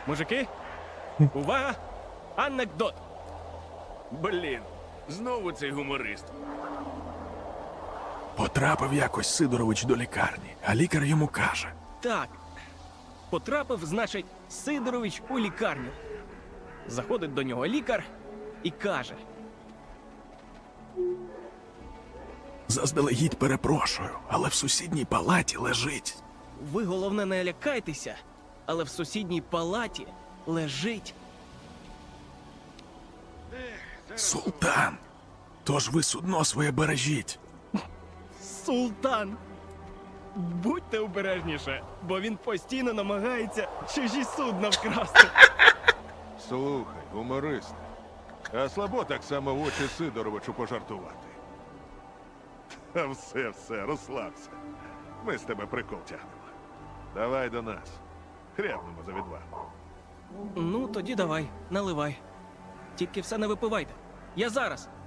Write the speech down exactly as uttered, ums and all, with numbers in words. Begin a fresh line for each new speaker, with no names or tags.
Мужики, увага! Анекдот!
Блін, знову цей гуморист.
Потрапив якось Сидорович до лікарні, а лікар йому каже:
Так. Потрапив, значить, Сидорович у лікарню. Заходить до нього лікар і каже:
заздалегідь перепрошую, але в сусідній палаті лежить.
ви, головне, не лякайтеся, але в сусідній палаті лежить.
Султан. Тож ви судно своє бережіть.
Султан! Будьте обережніше, бо він постійно намагається чужі судна вкрасти.
Слухай, гуморист, а слабо так само в очі Сидоровичу пожартувати. Та все, все, розслабся. Ми з тебе прикол тягнемо. Давай до нас. Хрябнемо за відвагу.
Ну, тоді давай, наливай. Тільки все не випивайте. Я зараз.